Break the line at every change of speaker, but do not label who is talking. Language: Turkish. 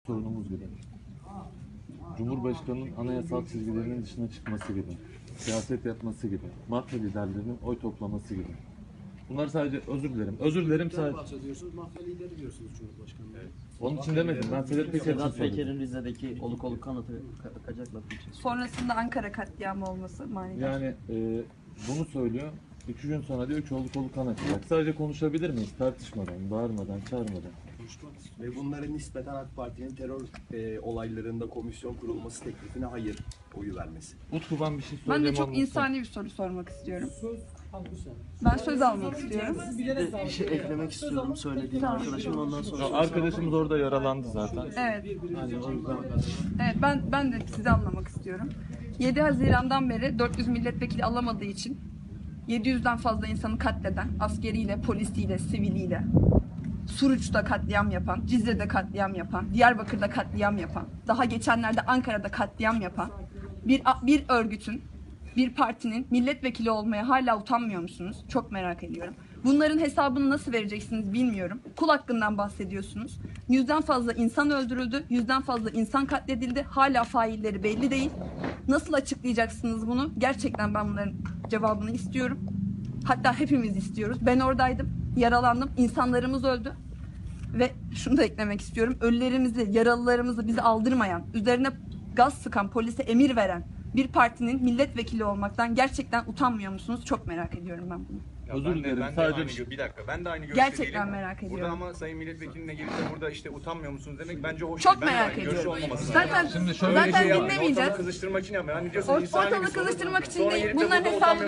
sorunumuz gibi. Cumhurbaşkanının anayasal çizgilerinin dışına çıkması gibi. Siyaset yapması gibi. Mafya liderlerinin oy toplaması gibi. Bunlar sadece özür dilerim. Özür dilerim sadece.
Bahsediyorsunuz, mafya lideri diyorsunuz Cumhurbaşkanı'na.
Evet. Onun için demedim. Ben Sedat Peker için
Sedat
söyledim.
Peker'in Rize'deki oluk oluk kanıtı kaçak lafı için.
Sonrasında Ankara katliamı olması manidar.
Yani bunu söylüyor. 2 gün sonra diyor ki oluk oluk kan açacak. Sadece konuşabilir miyiz? Tartışmadan, bağırmadan, çağırmadan.
Ve bunların nispeten AK Parti'nin terör olaylarında komisyon kurulması teklifine hayır oyu vermesi.
Utku ben bir şey
Ben de
söyleyeyim.
çok insani bir soru sormak istiyorum. Ben söz almak istiyorum.
Bir şey eklemek istiyorum söylediğim arkadaşım ondan sonra.
Arkadaşımız orada yaralandı zaten.
Evet.
Hani o yüzden
Evet, ben de sizi anlamak istiyorum. 7 Haziran'dan beri 400 milletvekili alamadığı için 700'den fazla insanı katleden, askeriyle, polisiyle, siviliyle, Suruç'ta katliam yapan, Cizre'de katliam yapan, Diyarbakır'da katliam yapan, daha geçenlerde Ankara'da katliam yapan bir örgütün, bir partinin milletvekili olmaya hala utanmıyor musunuz? Çok merak ediyorum. Bunların hesabını nasıl vereceksiniz bilmiyorum. Kul hakkından bahsediyorsunuz. 100'den fazla insan öldürüldü, 100'den fazla insan katledildi. Hala failleri belli değil. Nasıl açıklayacaksınız bunu? Gerçekten ben bunların cevabını istiyorum. Hatta hepimiz istiyoruz. Ben oradaydım, yaralandım, insanlarımız öldü. Ve şunu da eklemek istiyorum. Ölülerimizi, yaralılarımızı bize aldırmayan, üzerine gaz sıkan, polise emir veren bir partinin milletvekili olmaktan gerçekten utanmıyor musunuz? Çok merak ediyorum ben bunu.
özür dilerim.
Ben de
Sadece
aynı, bir dakika. Ben de aynı görüşte
Gerçekten
değilim.
merak ediyorum.
Burada ama sayın milletvekiline gelip de burada işte utanmıyor musunuz demek bence hoş
Çok
değil. Ben de
merak
aynı görüşte
ediyorum.
olmaması lazım.
Zaten
Şimdi şöyle
zaten
bir şey
Ortalığı
dinlemeyeceğiz.
kızıştırmak için yapmıyor. Hani diyorsun insani bir
Ortalığı
soru.
kızıştırmak için
Sonra
değil.
gelip de
Bunların
burada
hesabını